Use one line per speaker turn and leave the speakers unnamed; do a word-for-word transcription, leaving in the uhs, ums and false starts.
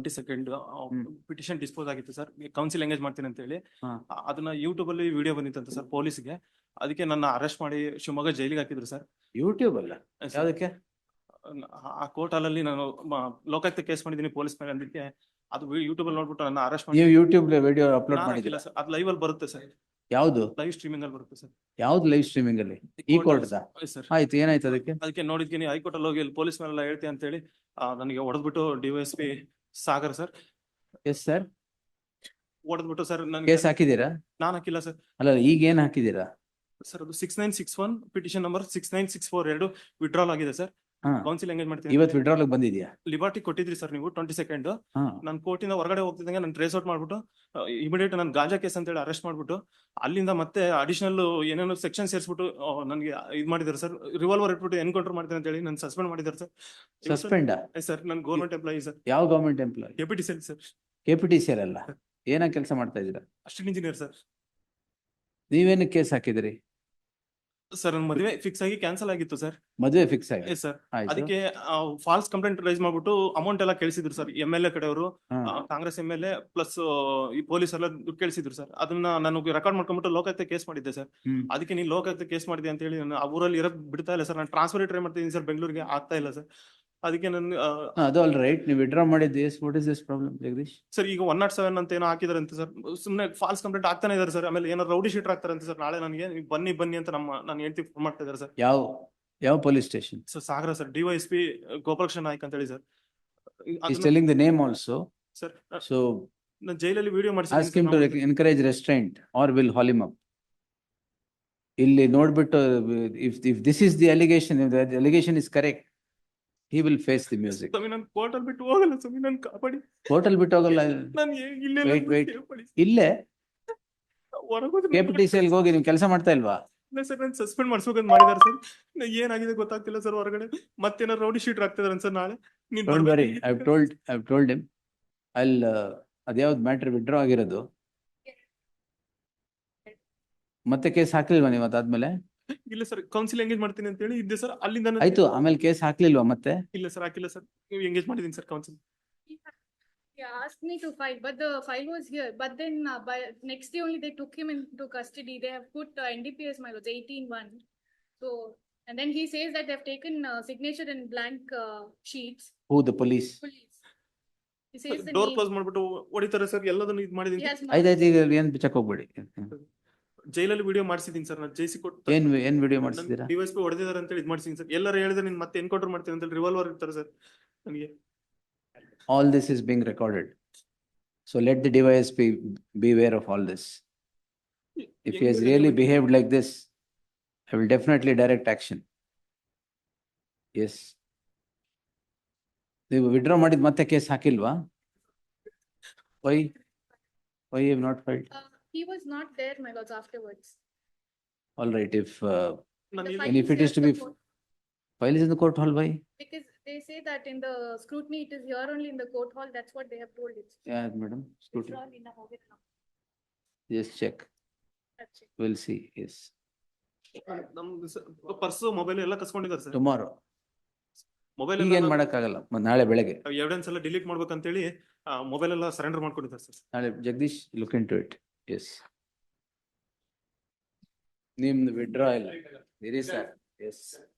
Twenty second
ಹ್ಮ್.
Petition dispose ಆಗಿತ್ತು sir, counsel engage ಮಾಡ್ತೀನಿ ಅಂತ ಹೇಳಿ.
ಹಾ.
ಆ- ಅದನ್ನ ಯೂಟ್ಯೂಬ್ ಅಲ್ಲಿ ವಿಡಿಯೋ ಬಂದಿತ್ತಂತೆ ಸರ್ ಪೊಲೀಸ್ಗೆ. ಅದಕ್ಕೆ ನನ್ನ ಅರೆಸ್ಟ್ ಮಾಡಿ ಶಿವಮೊಗ್ಗ ಜೈಲಿಗೆ ಹಾಕಿದ್ರು ಸರ್.
ಯೂಟ್ಯೂಬ್ ಅಲ್ಲ
ಸರ್,
ಯಾವ್ದಕ್ಕೆ?
ಆ ಕೋರ್ಟ್ ಅಲ್ಲಿ ನಾನು ಮ- ಲೋಕಾಯುಕ್ತ ಕೇಸ್ ಮಾಡಿದ್ದೀನಿ ಪೊಲೀಸ್ ಮೇಲೆ, ಅದಕ್ಕೆ ಅದು ಯೂಟ್ಯೂಬ್ ಅಲ್ಲಿ ನೋಡ್ಬಿಟ್ಟು ನನ್ನ ಅರೆಸ್ಟ್ ಮಾಡಿ.
ನೀವು ಯೂಟ್ಯೂಬ್ ವಿಡಿಯೋ ಅಪ್ಲೋಡ್
ನಾನು ಹಾಕಿಲ್ಲ
ಮಾಡಿದಿರಾ?
ಸರ್, ಅದು ಲೈವ್ ಅಲ್ಲಿ ಬರುತ್ತೆ ಸರ್,
ಯಾವ್ದು
ಲೈವ್ ಸ್ಟ್ರೀಮಿಂಗ್ ಅಲ್ಲಿ ಬರುತ್ತೆ ಸರ್.
ಯಾವ್ದು ಲೈವ್ ಸ್ಟ್ರೀಮಿಂಗ್ ಅಲ್ಲಿ? ಈ ಕೋರ್ಟ್
ಸರ್
ಆಯ್ತು, ಏನಾಯ್ತು ಅದಕ್ಕೆ?
ಅದಕ್ಕೆ ನೋಡಿದ್ತೀನಿ ಹೈಕೋರ್ಟ್ ಅಲ್ಲಿ ಹೋಗಿ ಪೊಲೀಸ್ ಮೇಲೆಲ್ಲ ಹೇಳ್ತೀನಿ ಅಂತ ಹೇಳಿ ನನಗೆ ಹೊಡೆದ್ಬಿಟ್ಟು DYSP Sagar sir
yes sir,
ಹೊಡೆದ್ಬಿಟ್ಟು ಸರ್ ನನಗೆ.
ಕೇಸ್ ಹಾಕಿದೀರಾ?
ನಾನು ಹಾಕಿಲ್ಲ ಸರ್.
ಅಲ್ಲ, ಈಗ ಏನ್ ಹಾಕಿದೀರಾ?
ಸರ್ ಅದು six nine six one petition number six nine six four ಎರಡು ವಿಡ್ರಾಲ್ ಆಗಿದೆ ಸರ್.
ಹಾ,
ಕೌನ್ಸಿಲ್ ಎಂಗೇಜ್ ಮಾಡ್ತೀನಿ.
ಇವತ್ತು ವಿಡ್ರಾಲ್ ಬಂದಿದ್ಯಾ?
ಲಿಬರ್ಟಿ ಕೊಟ್ಟಿದ್ರಿ ಸರ್ ನೀವು ಟ್ವೆಂಟಿ ಸೆಕೆಂಡ್.
ಹಾ,
ನಾನು ಕೋರ್ಟಿಂದ ಹೊರಗಡೆ ಹೋಗ್ತಿದ್ದಂಗೆ ನಾನು ಟ್ರೇಸ್ ಔಟ್ ಮಾಡ್ಬಿಟ್ಟು ಇಮಿಡಿಯೇಟ್ ನಾನು ಗಾಂಜಾ ಕೇಸ್ ಅಂತ ಹೇಳಿ ಅರೆಸ್ಟ್ ಮಾಡ್ಬಿಟ್ಟು ಅಲ್ಲಿಂದ ಮತ್ತೆ ಅಡಿಷನಲ್ ಏನೇನೋ ಸೆಕ್ಷನ್ ಸೇರಿಸ್ಬಿಟ್ಟು ನನಗೆ ಇದು ಮಾಡಿದ್ದಾರೆ ಸರ್. ರಿವಾಲ್ವರ್ ಇಟ್ಬಿಟ್ಟು ಎನ್ಕೌಂಟರ್ ಮಾಡ್ತೀನಿ ಅಂತ ಹೇಳಿ ನಾನು ಸಸ್ಪೆಂಡ್ ಮಾಡಿದ್ದಾರೆ ಸರ್.
ಸಸ್ಪೆಂಡ್
ಸರ್ ನಾನು ಗೌರ್ಮೆಂಟ್ ಎಂಪ್ಲಾಯಿ ಸರ್,
ಯಾವ government employee?
Deputy cell sir,
K P T C ಅಲ್ಲ, ಏನ ಕೆಲಸ ಮಾಡ್ತಾ ಇದ್ದೀರಾ?
Assistant engineer sir.
ನೀವೇನು ಕೇಸ್ ಹಾಕಿದಿರಿ?
ಸರ್ ನನ್ನ ಮದುವೆ ಫಿಕ್ಸ್ ಆಗಿ ಕ್ಯಾನ್ಸಲ್ ಆಗಿತ್ತು ಸರ್.
ಮದುವೆ ಫಿಕ್ಸ್ ಆಗಿ?
Yes sir.
ಆಯ್ತು.
ಅದಕ್ಕೆ ಫಾಲ್ಸ್ ಕಂಪ್ಲೇಂಟ್ ರೈಸ್ ಮಾಡ್ಬಿಟ್ಟು ಅಮೌಂಟ್ ಎಲ್ಲ ಕೇಳಿಸಿದ್ರು ಸರ್. ಎಂ ಎಲ್ ಎ ಕಡೆಯವರು,
ಹಾ.
Congress M L A plus ಈ ಪೊಲೀಸ್ ಎಲ್ಲ ದುಡ್ಡು ಕೇಳಿಸಿದ್ರು ಸರ್. ಅದನ್ನ ನಾನು ರೆಕಾರ್ಡ್ ಮಾಡ್ಕೊಂಡ್ಬಿಟ್ಟು ಲೋಕಾಯುಕ್ತ ಕೇಸ್ ಮಾಡಿದ್ದೆ ಸರ್.
ಹ್ಮ್.
ಅದಕ್ಕೆ ನೀವು ಲೋಕಾಯುಕ್ತ ಕೇಸ್ ಮಾಡಿದೆ ಅಂತ ಹೇಳಿ ನಾನು ಆ ಊರಲ್ಲಿ ಇರೋಕ್ ಬಿಡ್ತಾ ಇಲ್ಲ ಸರ್. ನಾನು ಟ್ರಾನ್ಸ್ಫರ್ ಟ್ರೈ ಮಾಡ್ತಿದ್ದೀನಿ ಸರ್, ಬೆಂಗಳೂರಿಗೆ ಆಗ್ತಾ ಇಲ್ಲ ಸರ್. ಅದಕ್ಕೆ ನಾನು
ಹಾ, ಅದು ಆಲ್ ರೈಟ್. ನೀವು ವಿಡ್ರಾ ಮಾಡಿದ್ದು yes, what is this problem Jagadish?
Sir ಈಗ ಒನ್ ನಾಟ್ ಸೆವೆನ್ ಅಂತ ಏನೋ ಹಾಕಿದಾರೆ ಅಂತ ಸರ್. ಸುಮ್ಮನೆ ಫಾಲ್ಸ್ ಕಂಪ್ಲೇಂಟ್ ಆಗ್ತಾನೆ ಇದಾರೆ ಸರ್. ಆಮೇಲೆ ಏನೋ ರೌಡಿ ಶೀಟರ್ ಆಗ್ತಾರೆ ಅಂತ ಸರ್. ನಾಳೆ ನನಗೆ ನೀವು ಬನ್ನಿ ಬನ್ನಿ ಅಂತ ನಮ್ಮ ನಾನು ಹೇಳ್ತಿ ಫೋನ್ ಮಾಡ್ತಾ ಇದ್ದಾರೆ ಸರ್.
ಯಾವ ಯಾವ police station?
Sir Sagara sir, DYSP Gopalakrishna Naik ಅಂತ ಹೇಳಿ sir.
He's telling the name also.
Sir
So
ನಾನು ಜೈಲಲ್ಲಿ ವಿಡಿಯೋ
ask him to
ಮಾಡಿಸಿ
encourage restraint or will haul him up. ಇಲ್ಲಿ ನೋಡ್ಬಿಟ್ಟು if if this is the allegation, if the allegation is correct, he will face the music.
ಸ್ವಾಮಿ ನಾನು court ಅಲ್ಲಿ ಬಿಟ್ಟು ಹೋಗಲ್ಲ ಸ್ವಾಮಿ, ನಾನು ಕಾಪಾಡಿ.
ಕೋರ್ಟ್ ಅಲ್ಲಿ ಬಿಟ್ಟು ಹೋಗಲ್ಲ.
ನಾನು ಇಲ್ಲೇ
Wait, wait. ಇಲ್ಲೇ ಕೆ ಪಿ ಟಿ ಸಿ ಅಲ್ಲಿ ಹೋಗಿ ನೀವು ಕೆಲಸ ಮಾಡ್ತಾ ಇಲ್ವಾ?
ಸರ್ ನಾನು ಸಸ್ಪೆಂಡ್ ಮಾಡಿಸ್ಬೇಕಂತ ಮಾಡಿದಾರೆ ಸರ್. ಏನಾಗಿದೆ ಗೊತ್ತಾಗ್ತಿಲ್ಲ ಸರ್. ಹೊರಗಡೆ ಮತ್ತೇನಾರು ರೌಡಿ ಶೀಟರ್ ಆಗ್ತಿದಾರೆ ಸರ್. ನಾಳೆ ನೀನ್
Don't worry,
ಬರ್ಬೇಕು.
I've told I've told him. I'll uh, ಅದ್ಯಾವ್ದು ಮ್ಯಾಟರ್ ವಿಡ್ರಾ ಆಗಿರೋದು? ಮತ್ತೆ ಕೇಸ್ ಹಾಕ್ಲಿಲ್ವಾ ನೀವು ಅದಾದ್ಮೇಲೆ?
ಇಲ್ಲ ಸರ್, ಕೌನ್ಸಿಲ್ ಎಂಗೇಜ್ ಮಾಡ್ತೀನಿ ಅಂತ ಹೇಳಿ ಇದ್ದೆ ಸರ್. ಅಲ್ಲಿಂದ ನಾನು-
ಆಯ್ತು, ಆಮೇಲೆ ಕೇಸ್ ಹಾಕ್ಲಿಲ್ವಾ ಮತ್ತೆ?
ಇಲ್ಲ ಸರ್, ಹಾಕಿಲ್ಲ ಸರ್. ನೀವು ಎಂಗೇಜ್ ಮಾಡಿದೀನಿ sir counsel.
He asked me to file, but the file was here. But then uh, by next day only they took him into custody. They have put uh, N D P S my lords eighteen one. So and then he says that they have taken uh, signature in blank uh, sheets.
Who, the police?
Police. He says the
door
name.
Close ಮಾಡ್ಬಿಟ್ಟು ಹೊಡಿತಾರೆ sir. ಎಲ್ಲದನ್ನು ಇದು
He
ಮಾಡಿದೀನಿ.
has
ಆಯ್ತು
marked-
ಆಯ್ತು, ಈಗ ಏನ್ check ಹೋಗ್ಬೇಡಿ.
ಜೈಲಲ್ಲಿ ವಿಡಿಯೋ ಮಾಡಿಸಿದೀನಿ ಸರ್. ನಾನು ಜೈಸಿ ಕೊಟ್ಟು
ಏನ್ ಏನ್ ವಿಡಿಯೋ ಮಾಡಿಸಿದೀರಾ?
ಡಿವೈಸ್ ಪಿ ಹೊಡೆದಿದ್ದಾರೆ ಅಂತ ಹೇಳಿ ಇದು ಮಾಡಿಸಿದೀನಿ ಸರ್. ಎಲ್ಲರೂ ಹೇಳಿದ್ರೆ ನೀನ್ ಮತ್ತೆ ಎನ್ಕೌಂಟರ್ ಮಾಡ್ತೀನಿ ಅಂತ ಹೇಳಿ ರಿವಾಲ್ವರ್ ಇರ್ತಾರೆ ಸರ್ ನನಗೆ.
All this is being recorded. So let the device be beware of all this. If he has really behaved like this, I will definitely direct action. Yes. ನೀವು ವಿಡ್ರಾ ಮಾಡಿದ ಮತ್ತೆ case ಹಾಕಿಲ್ವಾ? Why? Why you have not filed?
Uh, he was not there, my lords, afterwards.
All right, if uh,
ನಾನು
The
ಇಲ್ಲಿ-
file
And if
is
it is
here
to
in
be
the court.
file is in the court hall, why?
Because they say that in the scrutiny, it is here only in the court hall. That's what they have told it.
Yeah, madam, scrutiny.
It's all in the hall.
Just check.
That's it.
We'll see, yes.
ನಮ್ದು purse mobile ಎಲ್ಲ ಕಸ್ಕೊಂಡಿದ್ದಾರೆ sir.
Tomorrow.
Mobile
ಈಗ ಏನ್ ಮಾಡಕ್ಕಾಗಲ್ಲ, ಮ- ನಾಳೆ ಬೆಳಗ್ಗೆ.
Evidence ಎಲ್ಲ ಡಿಲೀಟ್ ಮಾಡ್ಬೇಕಂತೇಳಿ ಮೊಬೈಲ್ ಎಲ್ಲ ಸರೆಂಡರ್ ಮಾಡ್ಕೊಂಡಿದ್ದಾರೆ ಸರ್.
ನಾಳೆ Jagadish look into it. Yes, ನಿಮ್ದು ವಿಡ್ರಾ ಇಲ್ಲ ಇರಿ ಸರ್. ಎಸ್.